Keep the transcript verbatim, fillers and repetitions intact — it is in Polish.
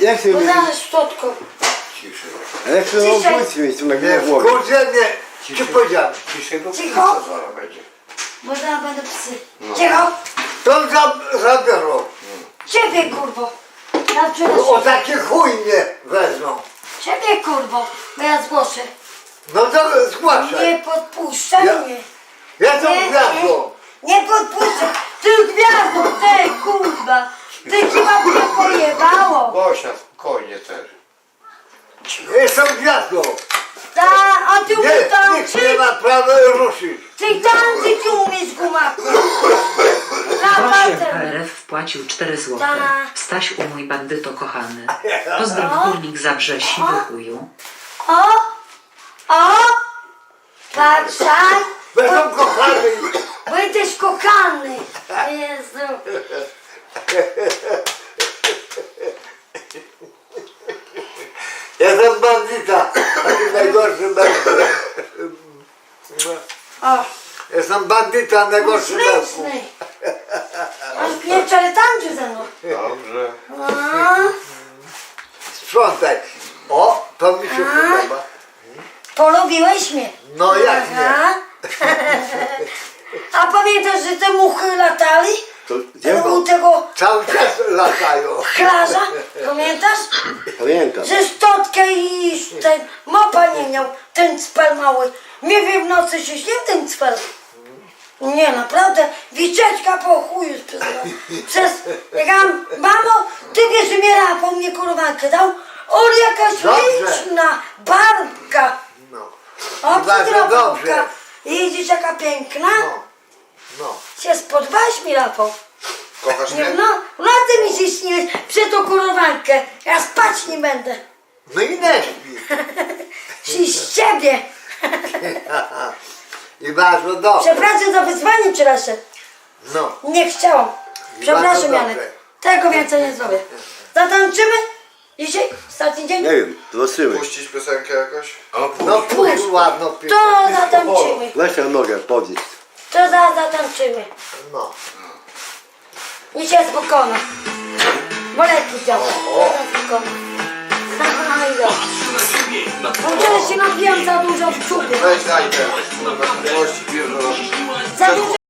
jak się Bo mówi? zaraz szczotką. Ciszej. A jak się Ciszej. obudź mieć tu na Nie, głowie? kurczę, nie. Ci powiedziałem. Ciszej, bo Cicho. pizza zaraz będzie. Bo zaraz będą psy. Cicho. To za, zabiorą. Ciebie kurwo. Ja O przynoszę. taki chuj mnie wezmą. Ciebie kurwo. Bo ja zgłoszę. No to zgłaszaj. Nie podpuszczaj Ja- mnie. Ja to Nie, gwiazdą. Nie podpuszczaj. Ty gwiazdo, ty kurwa. Ty chyba mnie pojebało. Gosia, spokojnie też. Jestem gwiazdą. Ta, a ty umiesz Nie, nikt tańczyć? nie ma prawa ruszyć. Ty tańczyć umiesz gumaku. Na Osiem palce. K R F wpłacił cztery złote. Tak. Staś u mój bandyto kochany. Pozdrow górnik Zabrze siwy chuju. O, o. Patrzaj. Będą kochani. Bo jesteś kochany. Jezu. Jestem bandyta. Taki najgorszy bandyta. O, Jestem bandyta, najgorszy bandyta. śliczny. Aż nie wczoraj tańczy ze mną. Dobrze. A, Sprzątaj. O, to mi się podoba. polubiłeś mnie. No jak nie? Aha. A pamiętasz, że te muchy latali? To gdzie? U tego Cały czas latają. chlarza? Pamiętasz? Pamiętam. Że szczotkę i ten mopa nie miał, ten cpel mały. Nie wiem, w nocy się śnił ten cpel. Nie, naprawdę, wiczeczka po chuju sprzedała. Przez, jak ja mam, mamo, ty wiesz, że mnie Rafał mnie kurwankę dał? On jakaś Dobrze. liczna barbka. No. O, I bardzo Rafałka. dobrze. Jedziesz jaka piękna? No. No. Się spodobałeś mi, Rafał. Kochasz Nie, mnie? no, no ty mi się śniłeś przed tą kurwankę. Ja spać nie będę. No i nie śpi. I z ciebie. I bardzo dobrze. Przepraszam za wyzwanie wczorajsze. No. Nie chciałam. Przepraszam, Bardzo Janek. dobrze. Tego więcej nie zrobię. Zatańczymy? Dzisiaj? Ostatni dzień? Nie wiem, zobaczymy. Puścić piosenkę jakoś? No pójdź ładno To piosenkę. zatańczymy. Weź na nogę, podnieś. To za zatańczymy. No. I się spokojna. Boleki działa. Spokojna. Aha, i dobrze. No wczoraj się nabijam za dużo w czubie. Weź daj te. Kurwa, gości bierze. Za dużo